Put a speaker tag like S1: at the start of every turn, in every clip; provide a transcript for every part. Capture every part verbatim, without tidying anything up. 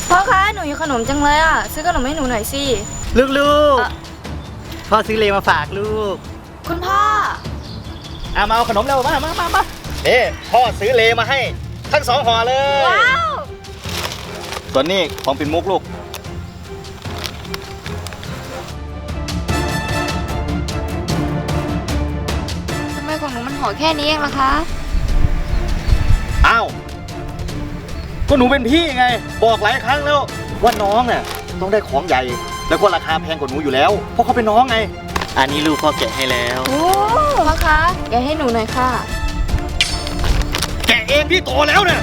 S1: พ่อคะหนูอยู่ขนมจังเลยอ่ะซื้อขนมให้หนูหน่อยสิ
S2: ลูกลูกพ่อซื้อเลมาฝากลูก
S1: คุณพ่อ
S2: อ่ะมาเอาขนมเร็วมามามามาเอ๊พ่อซื้อเลมาให้ทั้งสองห่อเลย
S1: ว้าว
S2: ส่วนนี้ของปิ่นมุกลูก
S1: ทำไมของหนูมันห่อแค่นี้เองล่ะคะ
S2: อ้าวก็หนูเป็นพี่ไงบอกหลายครั้งแล้วว่าน้องเนี่ยต้องได้ของใหญ่แล้วก็ราคาแพงกว่าหนูอยู่แล้วเพราะเขาเป็นน้องไงอันนี้ลูกพ่อแกะให้แล้ว
S1: โอ้พ่อคะแกะให้หนูหน่อยค่ะ
S2: แกะเองพี่โตแล้วเนี่ย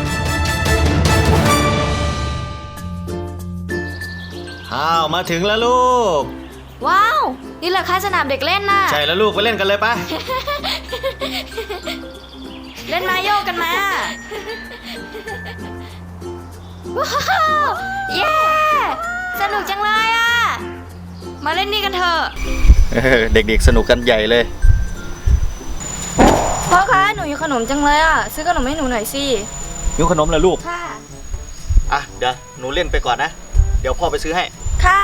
S2: อ้าวมาถึงแล้วลูก
S1: ว้าวนี่แหละค่ะสนามเด็กเล่นน่ะ
S2: ใช่แล้วลูกไปเล่นกันเลยปะ
S1: เล่นมาโยกกันมาว้าวเย้สนุกจังเลยอ่ะมาเล่นนี่กันเถอะ
S2: เด็กๆสนุกกันใหญ่เลย
S1: พ่อคะหนูอยู่ขนมจังเลยอ่ะซื้อขนมให้หนูหน่อยสิ
S2: อยู่ขนมเหรอลูก
S1: ค่ะ
S2: อ่ะเดี๋ยวหนูเล่นไปก่อนนะเดี๋ยวพ่อไปซื้อให้
S1: ค่ะ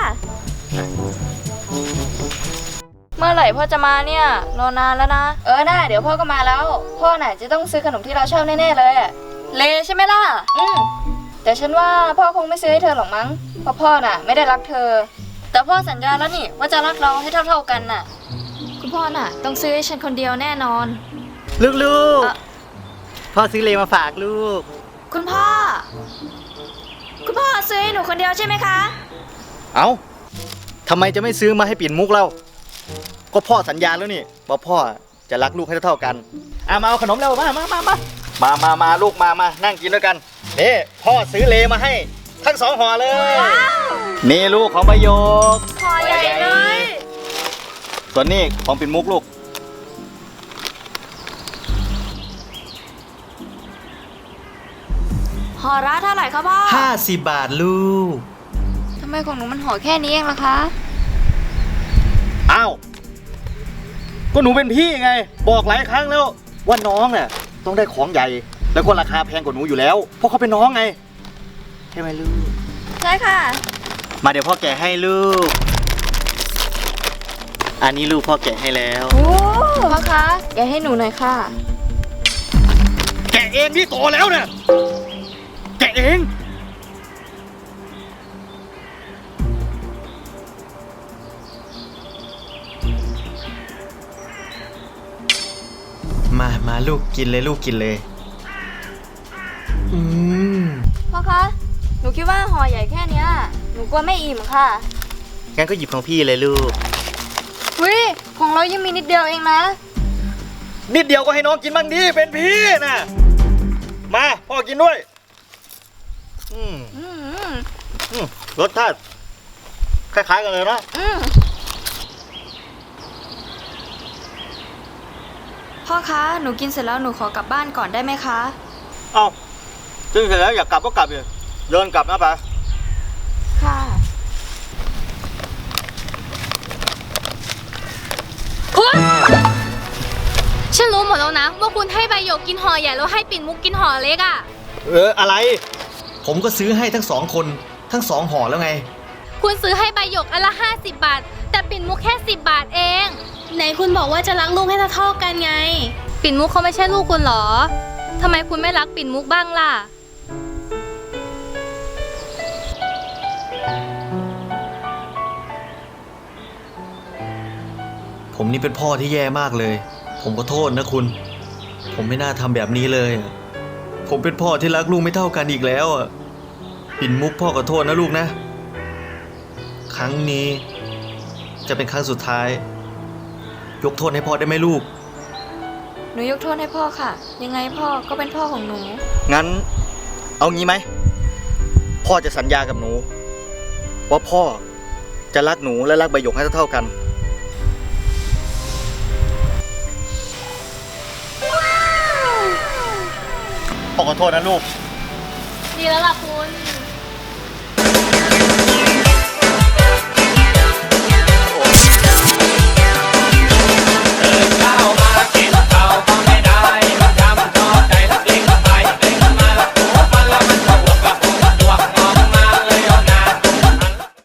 S1: เมื่อไหร่พ่อจะมาเนี่ยรอนานแล้วนะเออน่าเดี๋ยวพ่อก็มาแล้วพ่อน่ะจะต้องซื้อขนมที่เราชอบแน่ๆเลยเลใช่ไหมล่ะอืมแต่ฉันว่าพ่อคงไม่ซื้อให้เธอหรอกมั้งเพราะพ่อน่ะไม่ได้รักเธอแต่พ่อสัญญาแล้วนี่ว่าจะรักเราให้เท่าๆกันน่ะคุณพ่อน่ะต้องซื้อให้ฉันคนเดียวแน่นอน
S2: ลูกๆพ่อซื้อเลมาฝากลูก
S1: คุณพ่อคุณพ่อซื้อให้หนูคนเดียวใช่ไหมคะ
S2: เอ้าทำไมจะไม่ซื้อมาให้ปิ่นมุกเราก็พ่อสัญญาแล้วนี่ว่าพ่อจะรักลูกให้เท่ากันอ่ะมาเอาขนมเร็วมามามามามามามาลูกมามานั่งกินด้วยกันนี่พ่อซื้อเลมาให้ทั้งสองห่อเลยนี่ลูกของใบโยก
S1: ห่อใหญ่เลย
S2: ส่วนนี้ของปิ่นมุกลูก
S1: ห่อละเท่าไหร่ครับพ่อ
S2: ห้าสิบบาทลูก
S1: ทำไมของหนูมันห่อแค่นี้เองล่ะคะ
S2: อ้าวก็หนูเป็นพี่ไงบอกหลายครั้งแล้วว่าน้องเนี่ยต้องได้ของใหญ่แล้วก็ราคาแพงกว่าหนูอยู่แล้วเพราะเขาเป็นน้องไงใช่ไหมลูก
S1: ใช่ค่ะ
S2: มาเดี๋ยวพ่อแกะให้ลูกอันนี้ลูกพ่อแกะให้แล้ว
S1: โอ้พ่อคะแกะให้หนูหน่อยค่ะ
S2: แกะเองพี่โตแล้วเนี่ยแกะเองมามาลูกกินเลยลูกกินเลยอืม
S1: พ่อคะหนูคิดว่าห่อใหญ่แค่นี้หนูกลัวไม่อิ่มค่ะ
S2: งั้นก็หยิบของพี่เลยลูก
S1: วิของเรายังมีนิดเดียวเองนะ
S2: นิดเดียวก็ให้น้องกินบ้างดิเป็นพี่นะมาพ่อกินด้วยอืมอืมอืมรสชาติคล้ายๆกันเลยนะ
S1: อืมพ่อคะหนูกินเสร็จแล้วหนูขอกลับบ้านก่อนได้ไหมคะ
S2: เอ้ากินเสร็จแล้วอยากกลับก็กลับเลยเดินกลับนะปะ
S1: ค่ะ
S3: ฉันรู้หมดแล้วนะว่าคุณให้ใบหยกกินห่อใหญ่แล้วให้ปิ่นมุกกินห่อเล็กอ่ะ
S2: เอออะไรผมก็ซื้อให้ทั้งสองคนทั้งสองห่อแล้วไง
S3: คุณซื้อให้ใบหยกอันละห้าสิบบาทแต่ปิ่นมุกแค่สิบบาทเองไหนคุณบอกว่าจะรักลูกให้เท่าๆกันไงปิ่นมุกเขาไม่ใช่ลูกคุณหรอทำไมคุณไม่รักปิ่นมุกบ้างล่ะ
S4: ผมนี่เป็นพ่อที่แย่มากเลยผมขอโทษนะคุณผมไม่น่าทำแบบนี้เลยผมเป็นพ่อที่รักลูกไม่เท่ากันอีกแล้วอ่ะปิ่นมุกพ่อขอโทษนะลูกนะครั้งนี้จะเป็นครั้งสุดท้ายยกโทษให้พ่อได้ไหมลูก
S1: หนูยกโทษให้พ่อค่ะยังไงพ่อก็เป็นพ่อของหนู
S2: งั้นเอางี้ไหมพ่อจะสัญญากับหนูว่าพ่อจะรักหนูและรักใบหยกให้เท่ากันพ่อขอโทษนะลูก
S3: ดีแล้วล่ะคุณ